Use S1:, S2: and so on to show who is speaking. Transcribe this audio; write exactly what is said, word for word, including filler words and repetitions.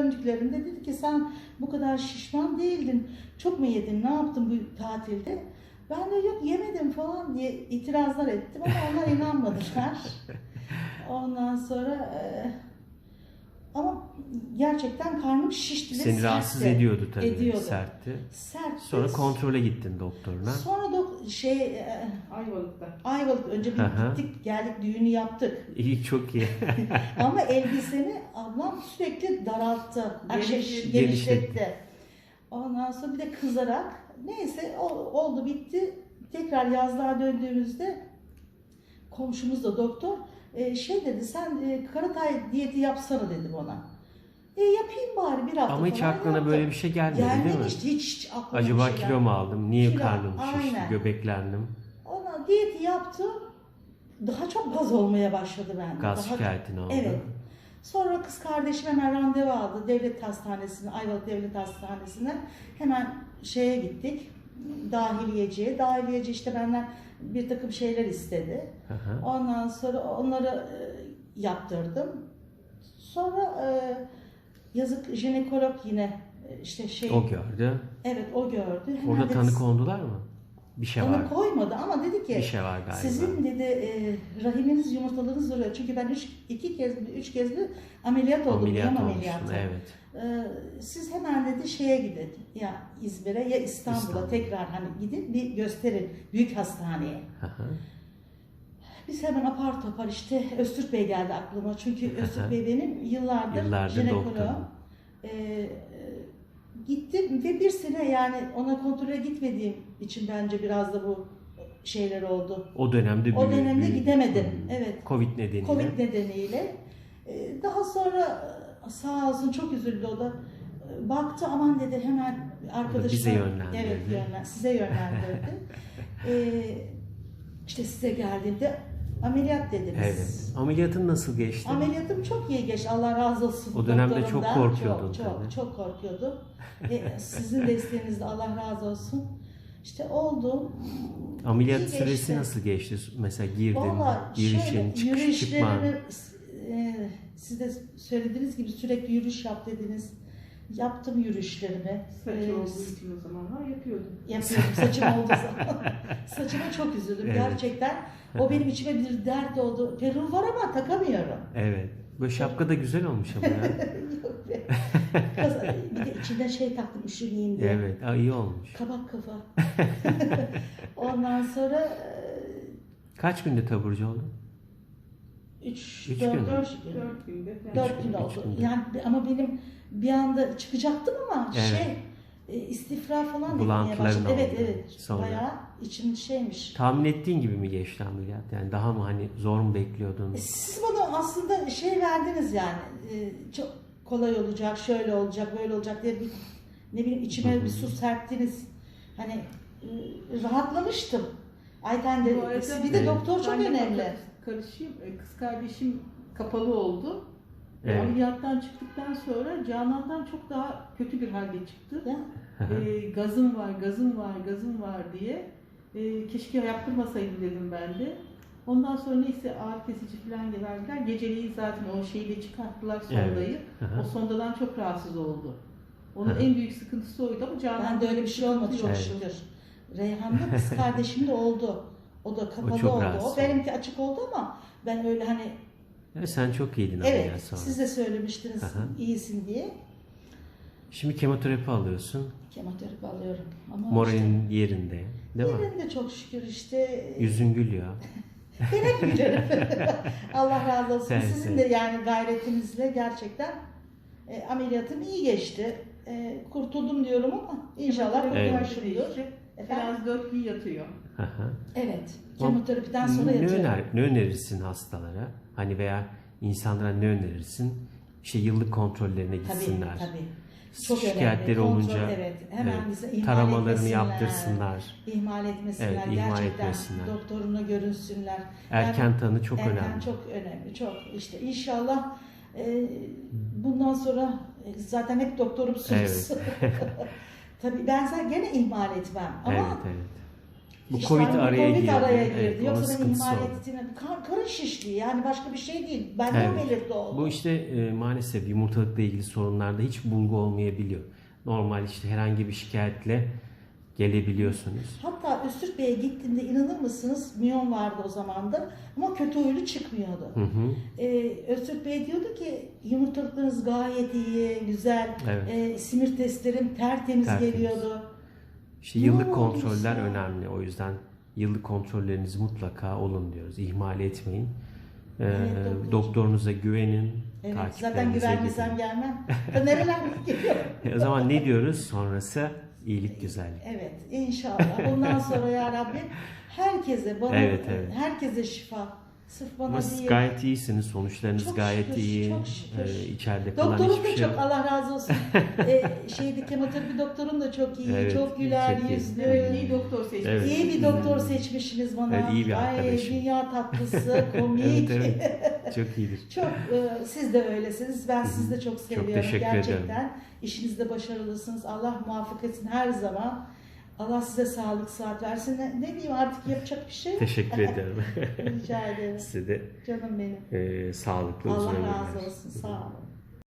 S1: döndüklerinde dedi ki sen bu kadar şişman değildin. Çok mu yedin? Ne yaptın bu tatilde? Ben de yok yemedim falan diye itirazlar ettim ama onlar inanmadılar. Ondan sonra e, ama gerçekten karnım şişti ve
S2: Seni
S1: sertti.
S2: rahatsız ediyordu tabii.
S1: Ediyordu.
S2: Sertti.
S1: Sertti.
S2: Sonra kontrole gittin doktoruna.
S1: Sonra dok şey e,
S3: Ayvalık'ta.
S1: Ayvalık önce bir
S2: Aha.
S1: gittik geldik düğünü yaptık.
S2: İyi, çok iyi.
S1: Ama elbiseni ablam sürekli daralttı. Ay, şey,
S3: Genişletti.
S1: genişletti. Ondan sonra bir de kızarak neyse o, oldu bitti. Tekrar yazlığa döndüğümüzde komşumuz da doktor e, şey dedi sen e, Karatay diyeti yapsana dedi bana. E yapayım bari bir hafta
S2: Ama hiç
S1: falan
S2: aklına
S1: yaptım.
S2: böyle bir şey gelmedi değil mi?
S1: Gelmemişti hiç, hiç aklıma
S2: Acaba
S1: bir şey
S2: kilo mu aldım? Niye
S1: Kilo,
S2: karnım şişti?
S1: aynen.
S2: Göbeklendim.
S1: Ona diyeti yaptım. Daha çok gaz olmaya başladı bende.
S2: Gaz
S1: Daha
S2: şikayetin oldu.
S1: Evet. Sonra kız kardeşim hemen randevu aldı. Devlet hastanesine, Ayvalık Devlet Hastanesi'ne. Hemen şeye gittik. Dahiliyeciye. Dahiliyeci işte benden bir takım şeyler istedi.
S2: Hı hı.
S1: Ondan sonra onları e, yaptırdım. Sonra e, yazık jinekolog yine e, işte şey.
S2: O gördü.
S1: Evet o gördü. Hemen
S2: Orada
S1: dedi,
S2: tanı kondular mı? Bir şey var.
S1: tanı koymadı ama dedi ki
S2: Bir şey var galiba.
S1: sizin dedi e, rahiminiz yumurtalarınız duruyor. Çünkü ben üç, iki kez, üç kez bir ameliyat oldum.
S2: Ameliyat
S1: Miyom
S2: olmuşsun,
S1: ameliyatı.
S2: evet.
S1: E, siz hemen dedi şeye gidin. Ya İzmir'e ya İstanbul'a
S2: İstanbul.
S1: tekrar hani gidin bir gösterin. Büyük hastaneye.
S2: Hı hı.
S1: Biz hemen apar topar işte Öztürk Bey geldi aklıma. Çünkü Öztürk Bey benim yıllardır,
S2: Yıllardır
S1: jinekoloğum.
S2: doktorum.
S1: E, e, gittim ve bir sene yani ona kontrole gitmediğim için bence biraz da bu şeyler oldu.
S2: O dönemde
S1: O
S2: büyü-
S1: dönemde
S2: büyü-
S1: gidemedim.
S2: Hmm.
S1: Evet.
S2: Covid nedeniyle.
S1: Covid nedeniyle. Ee, Daha sonra e, sağ olsun çok üzüldü o da. Ee, Baktı aman dedi hemen arkadaşına.
S2: bize yönlendirdi.
S1: Evet yönlen, size yönlendirdi. ee, işte size geldiğimde ameliyat dediniz.
S2: Evet. Ameliyatın nasıl geçti?
S1: Ameliyatım çok iyi geçti. Allah razı olsun.
S2: O dönemde çok
S1: doktorumdan.
S2: korkuyordun
S1: Çok
S2: tabii.
S1: çok, çok korkuyordum. Ve sizin desteğinizle Allah razı olsun. İşte oldu.
S2: Ameliyat
S1: İyi
S2: süresi
S1: geçti.
S2: nasıl geçti? Mesela girdin,
S1: Valla
S2: girişin,
S1: şöyle
S2: çıkış, çıkman.
S1: yürüyüşlerimi e, siz de söylediğiniz gibi sürekli yürüyüş yap dediniz. Yaptım yürüyüşlerimi.
S3: Saçı
S1: Ee,
S3: olduğu için o zamanlar yapıyordum.
S1: Yapıyorum saçım olduğu zaman. Saçıma çok üzüldüm
S2: Evet.
S1: gerçekten. O benim içime bir dert oldu. Peruğum var ama takamıyorum.
S2: Evet. Böyle şapka da güzel olmuş ama ya.
S1: Yok be. Kız- bir de içinden şey taktım üşümeyeyim diye.
S2: Evet. Aa, iyi olmuş.
S1: Kabak kafa. Ondan sonra e,
S2: Kaç günde taburcu oldun?
S1: üç,
S2: Üç
S1: dört,
S2: gün mü?
S1: dört,
S3: Dört günde falan.
S1: dört gün
S2: üç
S1: oldu.
S2: günde.
S1: Yani ama benim bir anda çıkacaktım ama
S2: Evet.
S1: şey e, istifra falan etmeye
S2: Bulantıların
S1: başladı. Evet
S2: oldu
S1: evet.
S2: sonra.
S1: Bayağı içim şeymiş.
S2: Tahmin ettiğin gibi mi geçti ameliyat? Yani daha mı hani zor mu bekliyordun?
S1: E, Siz bana aslında şey verdiniz yani e, çok kolay olacak, şöyle olacak, böyle olacak diye bir ne bileyim içime bir su serptiniz. Hani e, rahatlamıştım. Ayten de
S3: Bu arada-
S1: bir de
S2: Evet.
S1: doktor çok
S3: Ben de
S1: önemli.
S3: Karışayım. E, Kız kardeşim kapalı oldu. E,
S2: Evet.
S3: Ameliyattan çıktıktan sonra Canan'dan çok daha kötü bir halde çıktı.
S1: Değil mi?
S3: E, gazım var, gazım var, gazım var diye. E, keşke yaptırmasaydım dedim ben de. Ondan sonra neyse ağrı kesici falan verdiler. Geceliği zaten o şeyi de çıkarttılar sondayı.
S2: Hı hı.
S3: O sondadan çok rahatsız oldu. Onun
S2: Hı hı.
S3: en büyük sıkıntısı oydu ama Canan
S1: Ben de öyle bir şey olmadı çok
S2: Evet.
S1: şükür. Reyhan'da kız kardeşim de oldu. O da kapalı
S2: çok
S1: oldu.
S2: rahatsız
S1: O benimki açık oldu ama ben öyle hani
S2: Evet, sen çok iyiydin ameliyat
S1: evet
S2: sonra.
S1: siz de söylemiştiniz
S2: Hı hı.
S1: iyisin diye.
S2: Şimdi kemoterapi alıyorsun.
S1: Kemoterapi alıyorum. Ama
S2: Moralin yerinde. Değil mi?
S1: yerinde çok şükür işte.
S2: Yüzün gülüyor.
S1: Ben hep gülerim. Allah razı olsun.
S2: Evet,
S1: Sizin
S2: evet.
S1: de yani gayretinizle gerçekten e, ameliyatım iyi geçti. E, kurtuldum diyorum ama inşallah
S2: Evet.
S1: kurtulmuşumdur.
S3: işte.
S1: Efendim?
S3: Biraz dört gün yatıyor.
S2: Hı hı.
S1: Evet.
S2: O-
S1: Kemoterapiden sonra
S2: ne,
S1: yatıyorum.
S2: öner, ne önerirsin hastalara? Hani veya insanlara ne önerirsin? İşte yıllık kontrollerine gitsinler.
S1: Tabii tabii. Çok
S2: Şikayetleri
S1: önemli. Kontrol,
S2: olunca
S1: evet. Hemen
S2: evet,
S1: bize ihmal
S2: taramalarını
S1: etmesinler.
S2: yaptırsınlar.
S1: İhmal etmesinler.
S2: Evet, ihmal
S1: Gerçekten
S2: etmesinler.
S1: doktoruna görünsünler.
S2: Erken
S1: Yani
S2: tanı çok
S1: erken
S2: önemli.
S1: çok önemli. Çok işte inşallah e, bundan sonra e, zaten hep doktorumsunuz.
S2: Evet.
S1: Tabii ben sen gene ihmal etmem ama
S2: Evet, evet. Bu
S1: İşte
S2: Covid
S1: hani
S2: araya
S1: Covid
S2: girdi.
S1: araya girdi.
S2: Evet, onun
S1: Yoksa benim
S2: sıkıntısı
S1: ihmal
S2: oldu.
S1: ettiğim kan, karın şişliği yani başka bir şey değil. Bende
S2: Evet.
S1: o belirti oldu.
S2: Bu işte e, maalesef yumurtalıkla ilgili sorunlarda hiç bulgu olmayabiliyor. Normal işte herhangi bir şikayetle gelebiliyorsunuz.
S1: Hatta Öztürk Bey'e gittiğimde inanır mısınız miyon vardı o zaman da ama kötü huylu çıkmıyordu.
S2: Hı hı.
S1: Ee, Öztürk Bey diyordu ki yumurtalıklarınız gayet iyi, güzel,
S2: Evet.
S1: ee, simir testlerim tertemiz,
S2: Tertemiz.
S1: geliyordu.
S2: İşte
S1: Ne
S2: yıllık
S1: oldu
S2: kontroller
S1: ya?
S2: önemli. O yüzden yıllık kontrolleriniz mutlaka olun diyoruz. İhmal etmeyin. Ee,
S1: Evet, doktor.
S2: doktorunuza güvenin.
S1: Evet, zaten
S2: takiplerinize
S1: güvenmesem
S2: gidin.
S1: gelmem. Ben nerelerden geliyorum.
S2: E, o zaman ne diyoruz? Sonrası iyilik, güzellik.
S1: Evet, inşallah. Bundan sonra ya Rabbi herkese, bana,
S2: Evet, evet.
S1: herkese şifa. Sırf bana
S2: Ama siz
S1: değil.
S2: gayet iyisiniz. Sonuçlarınız
S1: Çok
S2: gayet
S1: şükür,
S2: iyi.
S1: çok şükür.
S2: Ee, içeride kalan
S1: Doktorun
S2: hiçbir
S1: da
S2: şey
S1: çok
S2: yok.
S1: Allah razı olsun. ee, şeydi kemoterapi doktorun da çok iyi,
S2: Evet,
S1: çok güler
S2: çok iyi.
S1: yüzlü.
S3: Evet, iyi doktor seçmiş.
S2: Evet.
S1: İyi bir doktor seçmişsiniz bana.
S2: Evet, iyi bir
S1: Ay,
S2: arkadaşım.
S1: dünya tatlısı, komik.
S2: Evet, evet. Çok iyidir.
S1: Çok, e, siz de öylesiniz. Ben sizi de çok seviyorum.
S2: teşekkür
S1: Gerçekten
S2: ederim.
S1: işinizde başarılısınız. Allah muvaffak etsin her zaman. Allah size sağlık, sıhhat versin. Ne, ne diyeyim artık yapacak bir şey yok.
S2: Teşekkür ederim.
S1: Rica ederim.
S2: Size de
S1: Canım benim.
S2: e, sağlıklı uzun
S1: Allah
S2: ömürler.
S1: razı olsun. Sağ olun.